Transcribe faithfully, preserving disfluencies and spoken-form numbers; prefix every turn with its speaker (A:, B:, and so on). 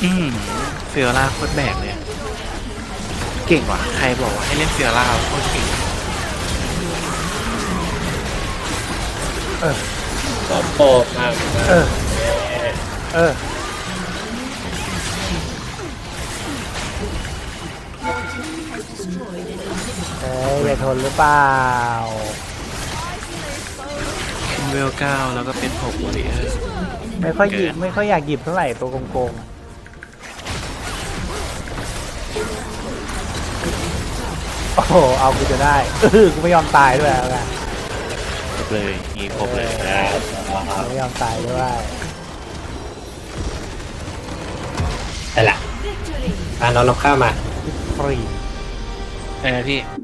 A: อืมเฟียร่าโคตรแบกเลย เก่งว่ะ ใครบอกว่าให้เล่นเฟียร่าโคตรเก่ง
B: เออ
C: ขอโปกมากมา
B: เออ เออเอ้ยอย่าทนหรือเปล่า
A: ขึ้นเวลเก้าแล้วก็เป็นหกวอริเออร์
B: ไม่ค่อยหยิบไม่ค่อยอยากหยิบเท่าไหร่ตัวโกงๆโอ้โหเอากูจะได้เออกูไม่ยอมตายด้วยเอาไง
A: ครบเลยงี้ครบเลย
C: แล้ว
B: ไม่ยอมตายด้วย
C: แต่ละพาน้องน้ำข้าวมา
B: ฟรี
A: เออพี่